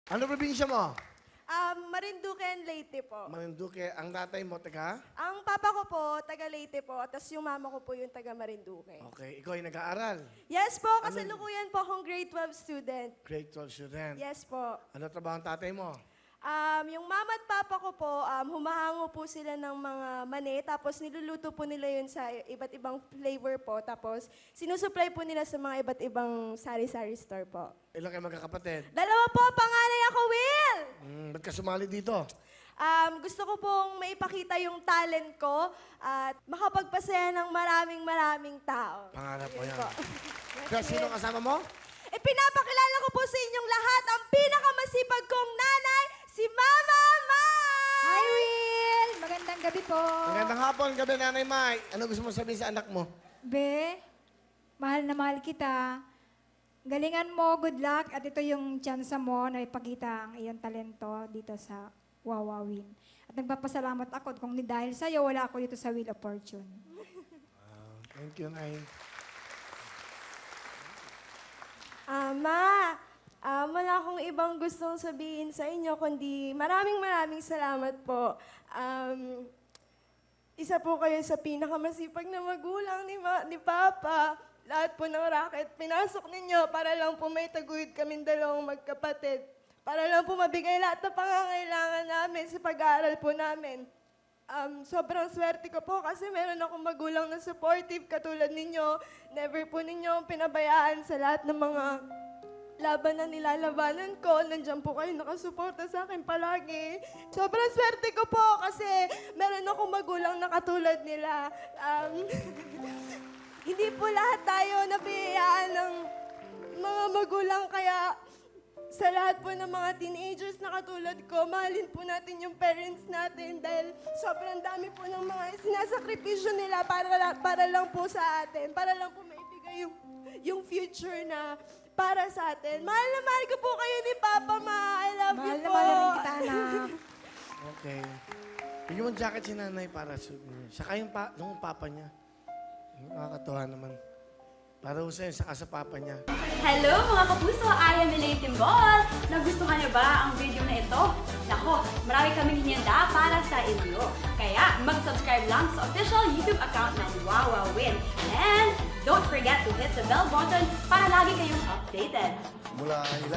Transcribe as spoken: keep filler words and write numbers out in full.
Ano probinsya mo? Um, Marinduque and Leyte po. Marinduque. Ang tatay mo, taga? Ang papa ko po, taga Leyte po, tapos yung mama ko po yung taga Marinduque. Okay. Ikaw ay nag-aaral. Yes po, kasalukuyan po akong grade twelve student. Grade twelve student. Yes po. Ano trabaho ang tatay mo? Um, yung mama at papa ko po, um, humahango po sila ng mga mani, tapos niluluto po nila yun sa iba't ibang flavor po, tapos sinusupply po nila sa mga iba't ibang sari-sari store po. Ilan kayo magkakapatid? Dalawa po, panganay ako, Will! Hmm, ba't ka sumali dito? Um, gusto ko pong maipakita yung talent ko at makapagpasaya ng maraming maraming tao. Pangarap mo Yun yan. po. Kaya sino kasama mo? E pinapakilala ko po sa inyong lahat ang pinakamasipag kong nanay, si Mama Mai! Hi, Will! Magandang gabi po. Magandang hapon, gabi, Nanay Mai. Ano gusto mo sabihin sa anak mo? Be, mahal na mahal kita. Galingan mo, good luck. At ito yung chance mo na ipakita ang iyong talento dito sa Wawawin. At nagpapasalamat ako kung ni dahil sa'yo, wala ako dito sa Wheel of Fortune. Thank you, Nay. Ama, ah, wala akong ibang gustong sabihin sa inyo, kundi maraming maraming salamat po. Um, isa po kayo sa pinakamasipag na magulang ni, ma- ni Papa. Lahat po ng racket, pinasok ninyo para lang po may taguyod kaming dalawang magkapatid. Para lang po mabigay lahat ng pangangailangan namin sa pag-aaral po namin. Um, sobrang swerte ko po kasi meron akong magulang na supportive katulad ninyo. Never po ninyo pinabayaan sa lahat ng mga laban na nilalabanan ko. Nandiyan po kayo nakasuporta sa akin palagi. Sobrang swerte ko po kasi meron akong magulang na katulad nila. Um, hindi po lahat tayo nabiyayaan ng mga magulang kaya sa lahat po ng mga teenagers na katulad ko, mahalin po natin yung parents natin dahil sobrang dami po ng mga sinasakripisyo nila para, la- para lang po sa atin, para lang po maibigay yung, yung future na para sa atin. Mahal na mahal ko po kayo ni Papa, Ma. I love Mahal you na po. mahal na rin kita, anak. Okay. Bigyan mo ng jacket si Nanay para sa... Saka yung, pa, yung papa niya. Nakakatuwa naman. Para ho sa'yo, saka sa papa niya. Hello mga kapuso! I am Elaine Timbol! Nagustuhan niyo ba ang video na ito? Nako, marami kaming hinihanda para sa inyo. Kaya mag-subscribe lang sa official YouTube account ng Wawawin. And don't forget to hit the bell button para lagi kayong updated. Mula